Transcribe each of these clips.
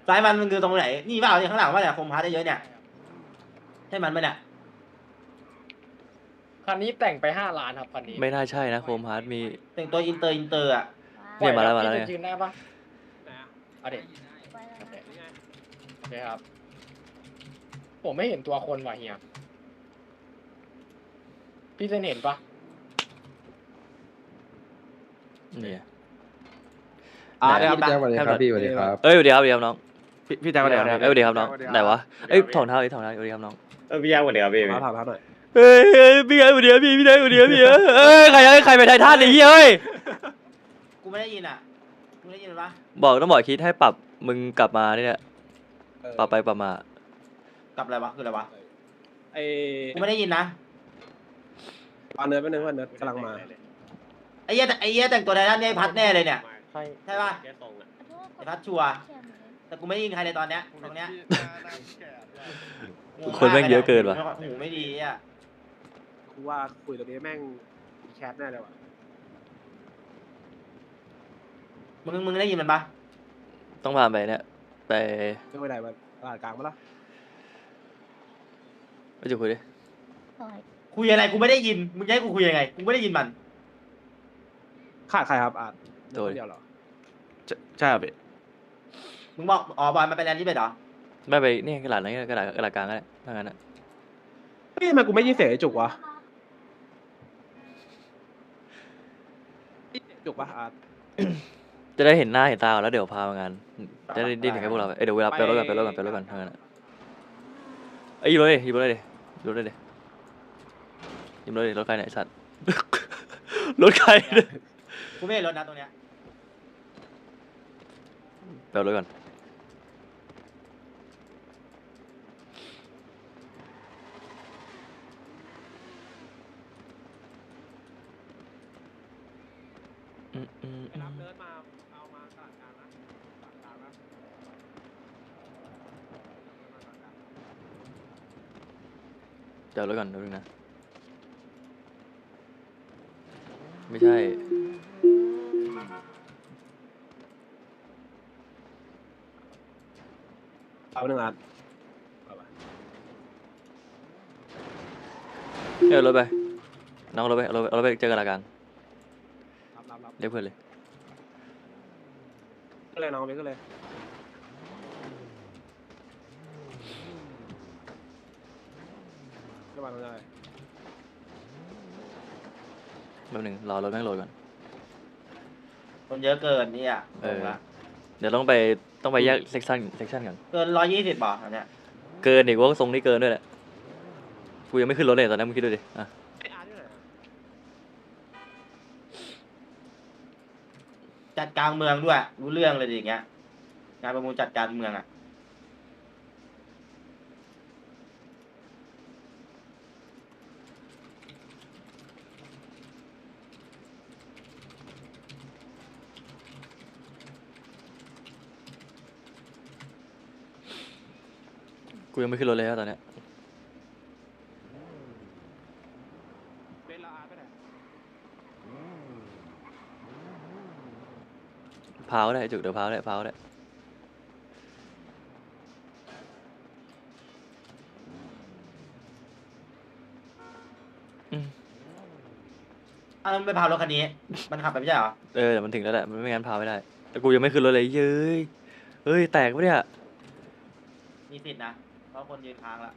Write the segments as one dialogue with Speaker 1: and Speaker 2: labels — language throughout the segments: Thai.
Speaker 1: ซ้ายมันคือตรงไหนนี่เปล่าเนี่ยข้างหลังว่าเนี่ยคมพาร์ทได้เยอะเนี่ยใช่มันไหมเนี่ย
Speaker 2: คันนี้แต่งไป5 ล้านครับคันนี้
Speaker 3: ไม่น่าใช่นะโคมฮาร์ดมี
Speaker 1: แต่งตัวอินเตอร์อ่ะ
Speaker 2: ปล่
Speaker 3: เนี่
Speaker 2: อย ย
Speaker 3: มา
Speaker 2: แบ
Speaker 3: แล้
Speaker 2: บ
Speaker 3: วมา
Speaker 2: พี่
Speaker 3: แล้ว
Speaker 2: จะ
Speaker 3: เนี่ย
Speaker 2: ยืนได้ปะ
Speaker 4: ไหนอะ
Speaker 2: เอาดิ
Speaker 5: ไปแล้ว
Speaker 2: โอเค
Speaker 5: นะ
Speaker 4: นี่ไง
Speaker 2: โอเคครับ ผมไม่เห็นตัวคนว่ะเฮียพี่เซนเห็นปะ
Speaker 3: เนี่ย
Speaker 6: ได้ครับพี่แจ็คสวัสดีครับพี่สวัสดีครับ
Speaker 3: เอ้ยสวัสดีครับสวัสดีครับน้อง
Speaker 4: พี่แจ็คก็ได้
Speaker 3: เอ้ยสวัสดีครับน้องไหนวะเอ้ยถองเท้าถองเท้าสวัสดีครับน้อง
Speaker 4: พี่แจ็ควันเดียวพี่ถามหน่อย
Speaker 3: เอ้ยพี่ไงสวัสดีครับพี่ได้สวัสดีครับพี่เอ้ยใครไปไททันไอ้เหี้ยเอ้ย
Speaker 1: กูไม่ได้ยินอ่ะมึงได้ยินปะ
Speaker 3: ต้องบอกคิดให้ปรับมึงกลับมาเนี่ยปรับไปปรับมาก
Speaker 1: ลับอะไรวะคืออะไรวะ
Speaker 4: ไอ้
Speaker 1: กูไม่ได้ยินนะ
Speaker 4: เอาเนื้อไปนึงว่าเนื้อกำลังมา
Speaker 1: ไอ้เหี้ยแต่งตัวไททันเนี่ยไอ้พัดแน่เลยเนี่ย
Speaker 2: ใช่
Speaker 1: ใช่ปะ
Speaker 4: แค่ทรงอะ
Speaker 1: ไอ้พัดชัวร์แต่กูไม่ได้ยินใครในตอนเนี้ยตรงเนี้ย
Speaker 3: คนแม่งเยอะเกินว่ะ
Speaker 1: หูไม่ดีอ่ะ
Speaker 4: กูว่าคุยตรงนี้แม่งมีแคทแน่เลยว่ะ
Speaker 1: มึงได้ยินมันปะ
Speaker 3: ต้องผ่านไปเนี่ยไป
Speaker 4: ไม่ไปไหนมาตลาดกลางมาละ
Speaker 3: ไปจุดคุยดิ
Speaker 1: คุยอะไรกูไม่ได้ยินมึงจะให้กูคุยยังไงกูไม่ได้ยินมัน
Speaker 4: ขาดใครครับอาร์ต
Speaker 3: โดย
Speaker 4: เดียวเหรอใช่ครับพี่
Speaker 1: มึงบอกอ๋อบอยมันไปแลนด์ที่เป็ดเหรอ
Speaker 3: ไม่ไปนี่กระดาษอะไรกระดาษกลางก็ได้ถ้างั้นอ่ะ
Speaker 4: เฮ้ยทำไมกูไม่ยินเสียงไอ้จุกวะจุกปะอาร์ต
Speaker 3: จะได้เห็นหน้าเห็นตาแล้วเดี๋ยวพามางานจะได้ถึงให้พวกเราเดี๋ยวเวลาไปรถก่อนถ้างั้นเอ้ยยิบรถเลยยิบรถเลยยิบรถเลยยิบรถเลยรถใครเนี่ยสัตว์ รถใครเนี่ย
Speaker 1: กูไม่เห็นรถนะตรงเนี้ย
Speaker 3: ไปเอารถก่อนอืม
Speaker 4: ไปรับเนิร์ดมาเอามาตลาดกลางนะตลาดกลางนะ
Speaker 3: เดี๋ยวรถก่อนนึงนะไม่ใช่
Speaker 4: เอาหนึ่งอาร์ต
Speaker 3: เอารถไปน้องเอารถไปเอารถไปเจอกันละกัน
Speaker 4: รับ
Speaker 3: เรียกเพื่อนเลย
Speaker 4: ก็เลยน้องไปก็เลยก็มาตรงนี้
Speaker 3: แป๊บนึงรอรถแม่งโหลดก่อน
Speaker 1: คนเยอะเกินเนี่ย
Speaker 3: เออ
Speaker 1: งละ
Speaker 3: เดี๋ยวต้องไปแยกเซกชันกัน
Speaker 1: เกิน120บ่อันเนี้ย
Speaker 3: เกินอีกว่าทรงนี้เกินด้วยแหละกูยังไม่ขึ้นรถเลยตอนนั้นมึงคิดดูดิอ่ะ
Speaker 4: ไอ้อาร์ตอยู่ไหนอะ
Speaker 1: จัดกลางเมืองด้วยรู้เรื่องเลยดิอย่างเงี้ยงานประมูลจัดการเมืองอ่ะ
Speaker 3: กูยังไม่ขึ้นรถเลยอะตอนเนี้ย
Speaker 4: เบนซ์แล้วอาร์ตไปไหน
Speaker 3: พาวก็ได้จุกเดี๋ยวพาวก็ได้อืม
Speaker 1: อ้าวแล้วมันไปพารถคันนี้ มันขับไปไม่ใช่เหรอ
Speaker 3: เดี๋ยวมันถึงแล้วแหละมันไม่งั้นพาวไม่ได้แต่กูยังไม่ขึ้นรถเลยเฮ้ยแตกปะเนี่ย
Speaker 1: มีสิทธินะเพราะคนยืนค้างละ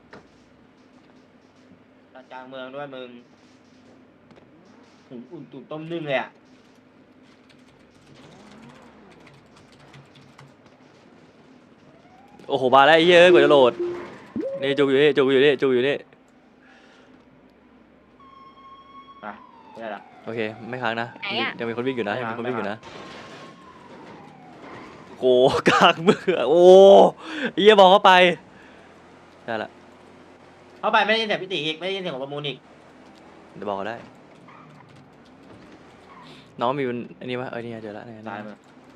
Speaker 1: จัดกลางเมืองด้วยมึงหุงอุ่นตุ๋นต้มนึ่งเลยอ่ะ
Speaker 3: โอ้โหมาแล้วไอ้เหี้ยกว่าจะโหลดนี่จุกอยู่นี่
Speaker 1: ไปไม่ได้ละ
Speaker 3: โอเคไม่ค้างนะ
Speaker 5: ไหนอะ
Speaker 3: ยังมีคนวิ่งอยู่นะยังมีคนวิ่งอยู่
Speaker 1: ไม่
Speaker 3: นะ
Speaker 1: ค้าง
Speaker 3: โอ้กลางเมืองโอ้ไอ้เหี้ยบอกเข้าไปได้ละ
Speaker 1: เข้าไปไม่ได้ยินเสียงพิติอีกไม่ได้ยินเสียงของประมูลอีก
Speaker 3: เดี๋ยวบอกเขาได้ น้องมีมันอันนี้วะนี่เจอละ
Speaker 1: ตายมึง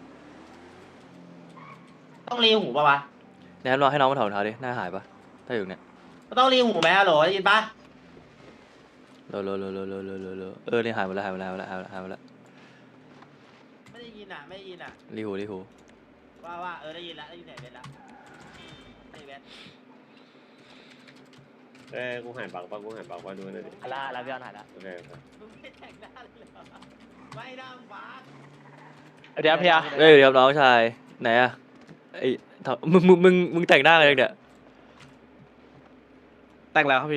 Speaker 1: ต้องรีหูป่ะวะ
Speaker 3: แนะนำให้น้องมาถอดรองเท้าดิหน้าหายปะถ้าอยู่เนี่ย
Speaker 1: ก็ต้องรีหูไหมฮัลโหลได้ยินปะ
Speaker 3: โลนี่หายหมดแล้ว
Speaker 1: ไม่ได้ยินอ่ะไม่ได้ยินอ่ะ
Speaker 3: รีหู
Speaker 1: ว่าได้ยินแล้วได้ยินเสียงเบนแล้วไอ้เบน
Speaker 5: กูหันปากป่ะกูหันปากป่ะดูหน่อยดิ
Speaker 2: ลาพี่ออนหายละ
Speaker 5: โอเคครับ
Speaker 1: มึงไม่แต่งหน้าเลยเหรอไม่นั่งฟ้า
Speaker 2: เดี๋ยวพี่อะ
Speaker 3: เดี๋ยวน้องชายไหนอะไอ้มึงแต่งหน้าอะไรเนี่ย
Speaker 4: แต่งแล้วครับพี่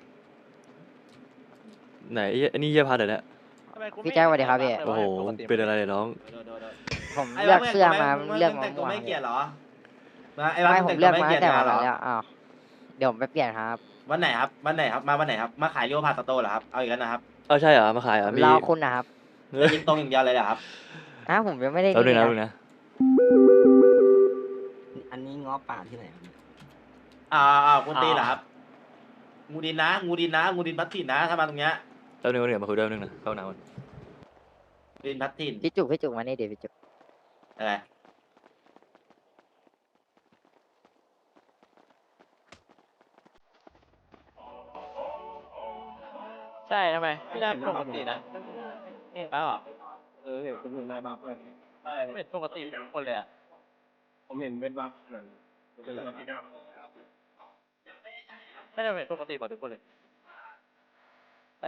Speaker 3: ไหนไอ้นี่เยี่ยพัดเหรอเนี่ย
Speaker 7: พี่แจ๊คสวัสดีครับพี่
Speaker 3: โอ้โหเป็นอะไรเนี่ยน้อง
Speaker 7: ผมเลือกเสื้อมาเลือก
Speaker 1: แต่งตัว
Speaker 7: มา
Speaker 1: ไม่เกลียดเหรอไอ้
Speaker 7: ไม่
Speaker 1: บ้าน
Speaker 7: ผ
Speaker 1: แต่
Speaker 7: ม
Speaker 1: ง
Speaker 7: เลื
Speaker 1: ตัว
Speaker 7: อก
Speaker 1: ไม่
Speaker 7: มา
Speaker 1: เกลี
Speaker 7: ตั้
Speaker 1: ยด
Speaker 7: งแต่
Speaker 1: งาน
Speaker 7: วัน
Speaker 1: เหรอ
Speaker 7: นั้นแล้วอ้าวเดี๋ยวผมไปเปลี่ยนครับ
Speaker 1: วันไหนครับมาขายโยพาสโต้เหรอครับเอาอีกแล้วนะครับ
Speaker 3: ใช่เหรอมาขายเหรอมี
Speaker 7: รอคุณนะครับ
Speaker 1: จะยิงตรงอย่างเดียวเลยเหรอครับ
Speaker 7: ผมยังไม่ได้
Speaker 3: แล้วนึงนะ
Speaker 7: นี่
Speaker 3: นึงนะ
Speaker 8: อันนี้ง้อป่าที่ไหนครับ
Speaker 1: คุณตีเหรอครับงูดินพัดถิ่นนะถ้ามาตรงเนี้ย
Speaker 3: แล้วนึงเดี๋ยวมาคุยด้วยนึงนะเข้าหนาว
Speaker 1: งูดินพัดถิ่น
Speaker 7: พี่จุกมานี่เดี๋ยวพี่จุก
Speaker 1: อะไร
Speaker 2: ใช่ทำไมพี่ได้ปกตินะเปล่า
Speaker 4: เห็นคนอื่นนายบัฟเลย
Speaker 2: ไม่เป็นปกติทุกคนเลยอะ
Speaker 4: ผมเห็นเป็นบัฟเลย
Speaker 2: ไม่ได้เป็นปกติหมดทุกคนเลยแต่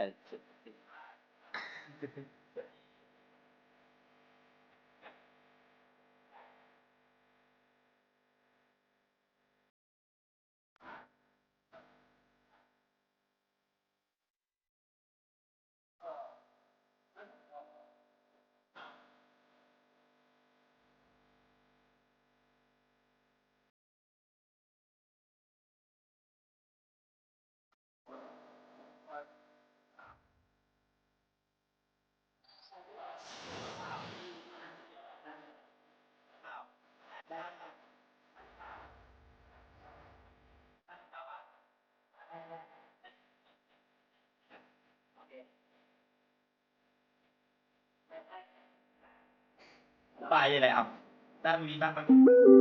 Speaker 1: ไปอะไรอ่ะด้านมีบ้างปะ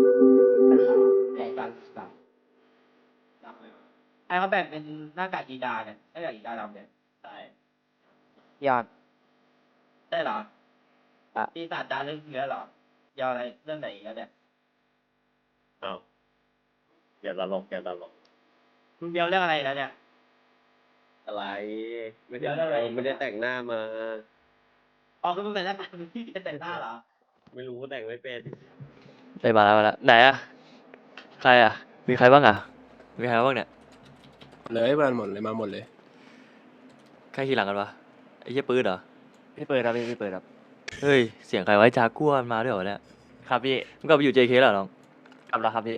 Speaker 1: ไอ้เขาแบ่งเป็นหน้ากากกีดาเนี่ยหน้ากากกีดาดำเนี่ยใช่
Speaker 7: ยอด
Speaker 1: ได้เหรอ
Speaker 7: อ่ะ
Speaker 1: ปีศาจจารึกเนื้อเหรอยาวอะไรเรื่องไหนอีกแล้วเนี่ย
Speaker 5: อ้าวอย่าตลก
Speaker 1: มึงเดียวเรื่องอะไรแล้วเนี่ย
Speaker 5: อะไรไม่
Speaker 1: เดี๋
Speaker 5: ได้
Speaker 1: ยวอะไร
Speaker 5: ไม่ได้แต่งหน้ามา
Speaker 1: อ๋อคือมึงเป็นหน้ากากที่จะแต่งหน้าเหรอ
Speaker 5: ไม่รู้แต่งไม่เป็น
Speaker 3: ได้มาแล้วไหนอะใครอะมีใครบ้างอะมีใครบ้างเนี่ย
Speaker 4: เลยมาหมดเลยมาหมดเลย
Speaker 3: ใครขี่หลังกันวะไอ้เหี้ยปืนเหรอ
Speaker 2: พี่เปิดครับพี่เปิดครับ
Speaker 3: เฮ้ยเสียงใครไว้จากัวมาด้วยเหรอเนี่ย
Speaker 2: ครับพี่
Speaker 3: มึงกลับไปอยู่ JK แล้วเหรอน้อง
Speaker 2: กลับแล้วครับพี่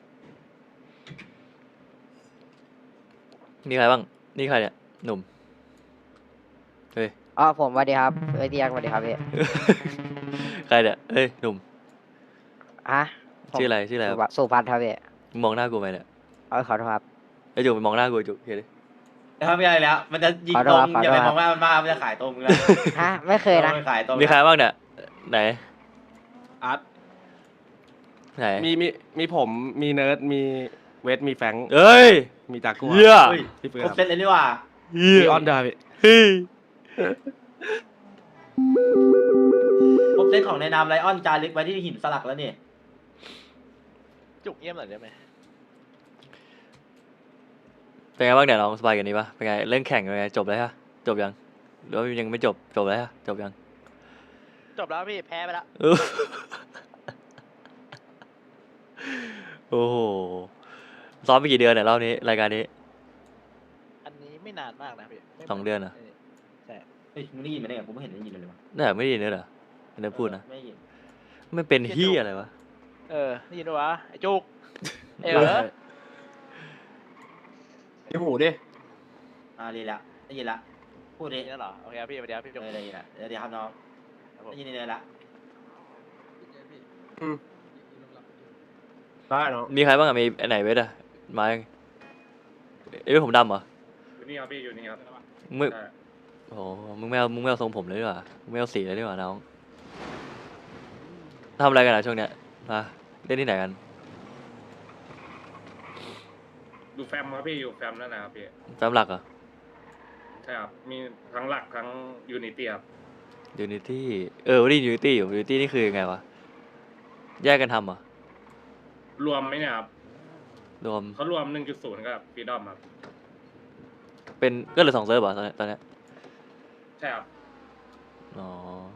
Speaker 3: มีใครบ้างนี่ใครเนี่ยหนุ่มเฮ้ย
Speaker 7: อ๋อผมสวัสดีครับพี่แจ๊คสวัสดีครับพี่
Speaker 3: ใครเนี่ยเฮ้ยหนุ่ม
Speaker 7: ผม
Speaker 3: ชื่ออะไรครับ
Speaker 7: สุพัฒน์ครับพี่
Speaker 3: มึงมองหน้ากูไหมเนี่ย
Speaker 7: ขอโทษครับ
Speaker 3: ไอ้จุกไปมองหน้ากูไอ้จุกเฮ้ยดิ
Speaker 1: ถ้าไม่อะไรแล้ว มันจะยิง
Speaker 7: ขอ
Speaker 1: ต
Speaker 7: โท
Speaker 1: ร
Speaker 7: ษ
Speaker 1: ง
Speaker 7: ครับ
Speaker 1: อย่าไป
Speaker 7: ข
Speaker 1: ม
Speaker 7: อ
Speaker 1: อง
Speaker 7: โทษ
Speaker 1: ว่ามันมามันจะขายตรงมึงแล้ว
Speaker 7: ไม่เคยนะ
Speaker 1: ขายตรง
Speaker 3: มีใครบ้างเนี่ยไหน
Speaker 4: อาร์ต
Speaker 3: ไหน
Speaker 4: มีผมมีเนิร์ดมีเวทมีแฟงค์
Speaker 3: เอ้ย
Speaker 4: มีจากัว
Speaker 3: เหี้ย
Speaker 1: เฮ้ย
Speaker 4: พี่เฟิร์
Speaker 1: ครบ
Speaker 4: น
Speaker 1: เซตเลยนี่หว่า
Speaker 3: เหี้ย
Speaker 4: มีออนดาพี่
Speaker 3: เฮ้ย
Speaker 1: ครบเซตของในนามไลออนจารึกไว้ที่หินสลักแล้วนี่
Speaker 2: จุกเยี่ยมหน่อยได้ไหม
Speaker 3: เป็นไงบ้างเนี่ยน้องสบายกันนี้ปะเป็นไงเรื่องแข่งเป็นไงจบแล้วฮะจบยังหรือว่ายังไม่จบแล้วฮะจบยัง
Speaker 2: จบแล้วพี่แพ้ไปแล้ว
Speaker 3: เออ โอ้โหซ้อมไปกี่เดือนเนี่ยรอบนี้รายการนี้
Speaker 2: อันนี้ไม่นานมากนะพี่ไม่
Speaker 3: 2 เดือนเหรอ
Speaker 2: ใช่
Speaker 1: เฮ้ยมึงได้ยินไหมเนี่ยกูไม่เห็นได้ยินเลยวะ
Speaker 3: เนี่ยไม่ได้ยินเลยเหรอไม่ได้พูดนะ
Speaker 1: ไม่ยิน
Speaker 3: ไม่เป็นเฮียอะไรวะ
Speaker 2: ได้ยินด้วยวะไอ้จุกเออ
Speaker 4: ที่หูดิ
Speaker 1: ดีละได้ยินละพูดดิ
Speaker 2: ได้ยินแล้วเหรอโอเคครับพี่สวัสดีครับพี่จุก
Speaker 1: ได้ยินละเดี๋ยวครับน้อง
Speaker 2: ครับผม
Speaker 1: ได้ยินเลยละ
Speaker 4: ได้เนาะ
Speaker 3: มีใครบ้างอะมีไหนเวทอะมายังเอ้ยผมดำเหรอ
Speaker 5: อยู่นี่ครับพี่อยู่นี่ครับ
Speaker 3: มึงโอ้โหมึงไม่เอาทรงผมเลยดีกว่ามึงไม่เอาสีเลยดีกว่าน้องทำอะไรกันอะช่วงเนี้ยมาเล่นที่ไหนกัน
Speaker 5: ดูแฟมครับพี่อยู่แฟมนั่นนะครับพี่
Speaker 3: แฟมหลักเหรอ
Speaker 5: ใช่ครับมีทั้งหลักทั้งยูนิตี้ครับ
Speaker 3: ยูนิตี้วันนี้ยูนิตี้อยู่ยูนิตี้นี่คือยังไงวะแยกกันทำเหรอ
Speaker 9: รวมไหมเนี่ยครับ
Speaker 3: รวม
Speaker 9: เขารวม 1.0 กับฟรีดอมครับ
Speaker 3: เป็นก็เหลือ2 เซิร์ฟเหรอตอนเนี้ย
Speaker 9: ใช่ครับ
Speaker 3: อ๋อ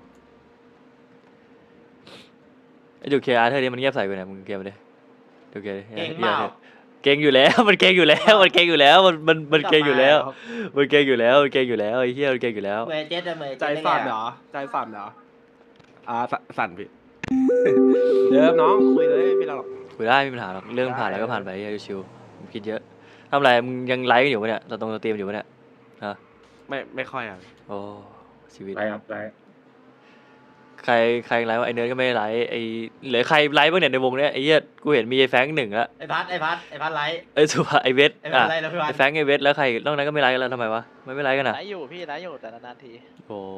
Speaker 3: ไอ้ดูเคอาร์เธอเนี่ยมันเงียบใส่กูเนี่ยมึงเกมไปดิดูเค
Speaker 1: เก่งเปล่า
Speaker 3: เก่งอยู่แล้ว มันเก่งอยู่แล้วมันเก่งอยู่แล้วมันเก่งอยู่แล้วมันเก่งอยู่แล้วมันเก่งอยู่แล้วไอ้เหี้ยมันเก่งอยู่แล้ว
Speaker 1: เมย์เจ็ดอะเมย์
Speaker 4: ใจ
Speaker 1: เจ็ด
Speaker 4: สั่นเหรอใจสั่นเหรอสั่นพี่ เดิมน้องคุยเลยไม่เป็นไรหรอก
Speaker 3: คุยได้ไม่มีปัญหาหรอกเรื่องผ่านแล้วก็ผ่านไปชิวๆมึงคิดเยอะทำอะไรมึงยังไลฟ์กันอยู่ปะเนี่ยเราตรงสตรีมอยู่ปะเนี่ยฮะ
Speaker 4: ไม่ค่อยอ่ะ
Speaker 3: โอ้ชีวิต
Speaker 5: ไรครับไร
Speaker 3: ใครไลฟ์วะไอเนิร์ดก็ไม่ได้ไลฟ์ไอเหลือใครไลฟ์บ้างเนี่ยในวงเนี้ยไอ้เหี้ยกูเห็นมีไอ้แฟรงค์1ละ
Speaker 1: ไอพัดไลท์
Speaker 3: เอ้ยสุภาไอเวท
Speaker 1: ไอพั
Speaker 3: อ่ะ
Speaker 1: ดไลท์แล้วพี่พั
Speaker 3: ไอ
Speaker 1: ด
Speaker 3: แฟรงค์ไอเวทแล้วใครนอกนั้นก็ไม่ไลฟ์กันแล้วทำไมวะไม่ไลฟ์กันอ่ะ
Speaker 2: ไลฟ์อยู่พี่ไลฟ์อยู่แต่นานๆที
Speaker 3: โอ้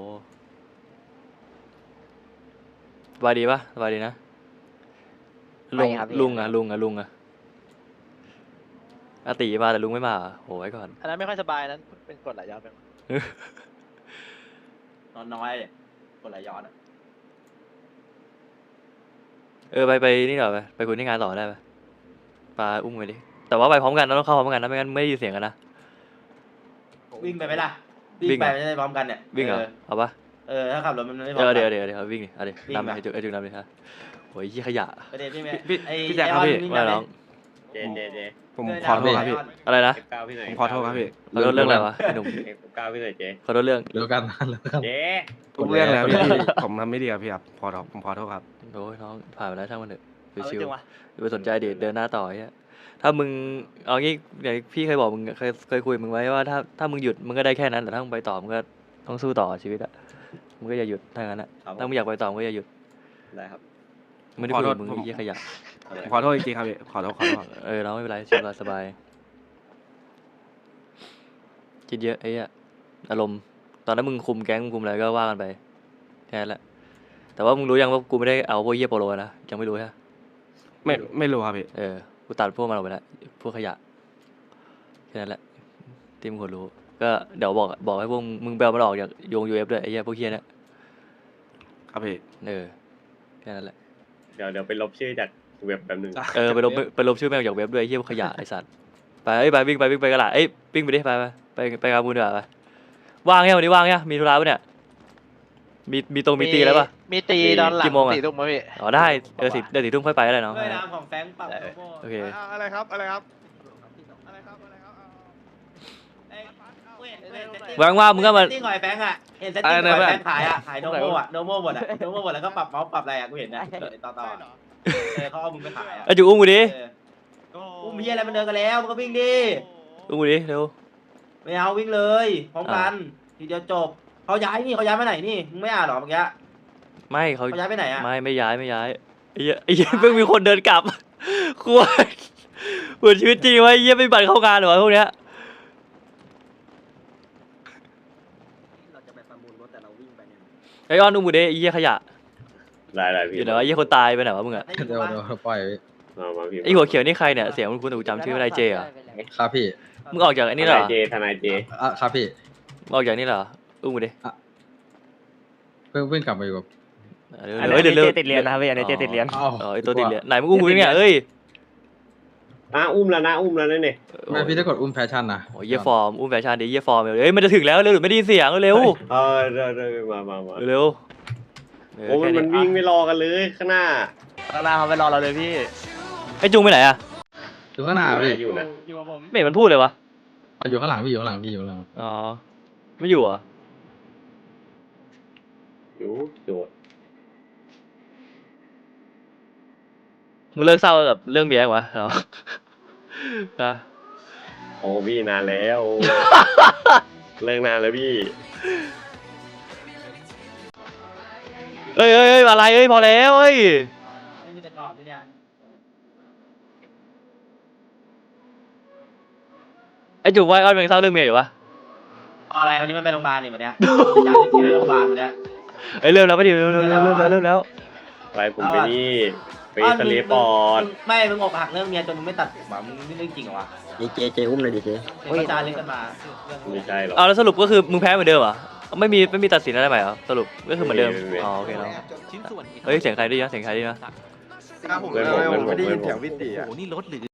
Speaker 3: สบายดีปะสบายดีนะลุงอะอาติมาแต่ลุงไม่มาเหรอโหไว้ก่อน
Speaker 2: อันนั้นไม่ค่อยสบายนั้นเป็นกฎหลายย้อนไป
Speaker 1: นอนน้อยคนไหลย้อนอะ
Speaker 3: ไปนี่หน่อยไปคุยที่งานต่อได้ปะปาอุ้มไปดิแต่ว่าไปพร้อมกันนะต้องเข้าพร้อมกันนะไม่งั้นไม่ได้ยินเสียงกันนะ
Speaker 1: วิ่งไปไหมล่ะ
Speaker 3: วิ่
Speaker 1: วิ่
Speaker 3: ง
Speaker 1: งไปไม่ได้พร้อมกันเนี่ย
Speaker 3: วิ่งเหรอเอาปะ
Speaker 1: ถ้าขับรถมันไม่พร้อมกัน
Speaker 3: เดี๋ยววิ่งดิเอาดิ
Speaker 1: วิ่ง
Speaker 3: นำ
Speaker 1: มา
Speaker 3: ไอ้จุกนำดิฮะโอ้ยยี่ขยะ
Speaker 1: ประเด็นพี่เมย์
Speaker 4: พี่แจ็คครับพี่
Speaker 3: ว่าน้อง
Speaker 5: เจเจเจ
Speaker 4: ผมขอโทษครับพี่
Speaker 3: อะไรนะ
Speaker 5: F9 พี่หน่อย
Speaker 4: ผมขอโทษครับพี่
Speaker 3: ขอโทษเรื่องอะไรวะไอ้หนุ่ม
Speaker 5: F9 พี่หน่อยเจ
Speaker 3: ขอโทษเรื่อง
Speaker 6: เลิกกันเลิกกัน
Speaker 5: เจ
Speaker 4: ทุกเรื่องแล้วพี่ผมทำไม่ดีครับพี่ครับผมขอโทษครับ
Speaker 3: โอ้ยน้องผ่านไปแล้วช่างมันเถอะ
Speaker 2: เอา
Speaker 3: ชิว
Speaker 2: จริงวะ
Speaker 3: ๆอย่าไปสนใจเดินหน้าต่อไอ้เหี้ยถ้ามึงเอางี้อย่างพี่เคยบอกมึงเคยคุยมึงไว้ว่าถ้ามึงหยุดมึงก็ได้แค่นั้นแต่ถ้ามึงไปต่อมึงก็ต้องสู้ต่อชีวิตอะมึงก็อย่าหยุดถ้างั้นอะถ้ามึงอยากไปต่อมึงก็อย่าหยุด
Speaker 5: ได้ครับ
Speaker 3: ไม่ได้คุยกับมึง
Speaker 4: ขอโทษ
Speaker 3: ไอ้เหี้ยขยะ
Speaker 4: ผมขอโทษจริงๆครับพี่ขอโทษ
Speaker 3: น้องไม่เป็นไรชิวสบายคิดเยอะไอ้เหี้ยอารมณ์ตอนนั้นมึงคุมแก๊งมึงคุมอะไรก็ว่ากันไปแค่นั้นแหละแต่ว่ามึงรู้ยังว่ากูไม่ได้เอาพวกเหี้ยโปโลนะยังไม่รู้ใช่
Speaker 4: ไม่รู้ครับพี่
Speaker 3: กูตัดพวกมันออกไปแล้วพวกขยะแค่นั้นแหละที่มึงควรรู้ก็เดี๋ยวบอกให้พวกมึงแบลมันออกจากโยง UF ด้วยไอ้เหี้ยพวกเหี้ยเนี่ย
Speaker 4: ครับพี่
Speaker 3: แค่นั้นแหละ
Speaker 5: เดี๋ยวไปลบชื่อจากเว็บแป๊บนึง
Speaker 3: ไปลบชื่อแม่งออกจากเว็บด้วยไอ้เหี้ยพวกขยะไอ้สัตว์ไปวิ่งไปกันละวิ่งไปดิไปกาบูนดีกว่าไปว่างยังวันนี้ว่างยังมีธุระปะเนี่ยมีตีแล้วปะ
Speaker 2: มีตีตอนหลัง
Speaker 3: กี่โมงอะ
Speaker 2: 4 ทุ่มมั้ยพี่
Speaker 3: อ๋อได้เดี๋ยว4 ทุ่มค่อยไปก็ได้น้อง
Speaker 1: ด้วยน้ำของแฟงปรับโลโก้
Speaker 3: โอเค
Speaker 4: อะไรครับ
Speaker 3: ว่างๆมึงก็มา
Speaker 1: เซตติ้งหอยแฟงอะเห็นเซตติ้งหอยแฟงขายโนโม่อะโนโม่หมดแล้วก็ปรับเมาส์ปรับอะไรอะกูเห็นนะต่อเขาเอามึงไปขายอะ
Speaker 3: ไอ้จุกอุ้มกูดิ
Speaker 1: อุ้มเฮียอะไรมันเดินกันแล้วมันก็วิ่งดิ
Speaker 3: อุ้มกูดิเร็ว
Speaker 1: ไม่เอาวิ่งเลยพร้อมกันทีเดียวจบเขาย้ายไปไหนนี่มึงไม่อ่านหรอเมื่อกี้
Speaker 3: ไม่เขา
Speaker 1: เขาย้ายไปไหนอะ
Speaker 3: ไม่ย้ายไอ้เหี้ยเพิ่งมีคนเดินกลับควรเหมือนชีวิตจริงวะไอ้เหี้ยไม่บัตรเข้างานเหรอวะพวกเนี้ย
Speaker 8: เราจะไปประมูลรถแต่เราวิ่งไปเนี่ย
Speaker 3: ไอ้อ้อนอุ้มกูดิไอ้เหี้ยขยะ
Speaker 5: ได้พี่
Speaker 3: อยู่ไหนวะไอ้เหี้ยคนตายไปไหนวะมึงอะ
Speaker 6: เดี๋ยวปล่อย
Speaker 5: มาพี่
Speaker 3: ไอ้หัวเขียวนี่ใครเนี่ยเสียงคุณแต่กูจำชื่อไม่ได้เจเหรอ
Speaker 6: ครับพี่
Speaker 3: มึงออกจากไอ้นี่เหรอ
Speaker 5: ทนายเจ
Speaker 6: ครับพี่
Speaker 3: มึงออกจากนี่เหรออุ้มกูดิ
Speaker 6: เพิ่งกลับมาอยู่กับ
Speaker 3: เดี๋ยวติดเรียนนะครับ
Speaker 6: อ้าว
Speaker 3: ไอ้ตัวติดเรียนไหนมึงอุ้มกูดิเนี่ยเอ้ย
Speaker 5: อุ้มแล้วนั่นเนี่ย
Speaker 6: ไม่พี่ถ้ากดอุ้มแฟชั่นนะ
Speaker 3: โอ้ยเยี่ยฟอร์มอุ้มแฟชั่นดิเยี่ยฟอร์มเอ้ยมันจะถึงแล้วเร็วหรือไม่ได้ยินเสียงเร็ว
Speaker 5: เดี๋ยวมา
Speaker 3: เร็ว
Speaker 5: โอ้มันวิ่งไม่รอกันเลยข้างหน้า
Speaker 2: ข้างหน้าเขาไปรอเราเลยพี่
Speaker 3: ไอ้จุงไปไหนอะ
Speaker 6: อยู่ข้างหน้าพี่
Speaker 5: อยู่นะ
Speaker 2: อยู่กับผม
Speaker 3: ไม่เห็นมันพูดเลยวะ
Speaker 6: อยู่ข้างหลังพี่อยู่ข้างหลังพี่อยู่ข้างหลัง
Speaker 3: อ๋อไม่อยู่เหรอ
Speaker 5: อยู่โจทย์
Speaker 3: มึงเลิกเศร้ากับเรื่องเบียร์วะเหรอนะ
Speaker 5: โอ้พี่นานแล้ว เลิกนานแล้วพี่
Speaker 3: เอ้ยอะไรเอ้ยพอแล้วเอ้ย
Speaker 1: ไม่มีแต่กรอบเลยเนี่ย
Speaker 3: ไอ้จุกว่าอ้อนเป็นเศร้าเรื่องเมียอยู่ปะ
Speaker 1: อะไรวันนี้มันไปโรงพยาบาลนี่วันเนี้ยย้ายที่ไปโรงพยาบาลวันเนี้ย
Speaker 3: เอ้ยเริ่มแล้วไม่ดีเริ่มแล้ว
Speaker 5: ไปผมไปนี่ไปสลีปปอด
Speaker 1: ไม่มึงอกหักเรื่องเมียจนมึงไม่ตัดผมอ่ะมึงนี่เรื่องจริงเหรอวะ
Speaker 8: เจอุ้มเลยดิเจ
Speaker 1: เป็นประจานเรื่องกันมาเรื่อง
Speaker 5: ไม่ใช่หรอก
Speaker 3: เอาแล้วสรุปก็คือมึงแพ้เหมือนเดิมเหรอไม่มีตัดสินอะไรใหม่เหรอสรุปก็คือเหมือนเดิมอ๋อโอเคเนาะเฮ้ยเสียงใครด้วยนะ
Speaker 5: เพื่อนผม
Speaker 10: ไม่ได้ยินเสียง
Speaker 5: เพื่อนผม
Speaker 10: วิตีอ่ะ
Speaker 1: โอ้โหนี่รถหรือ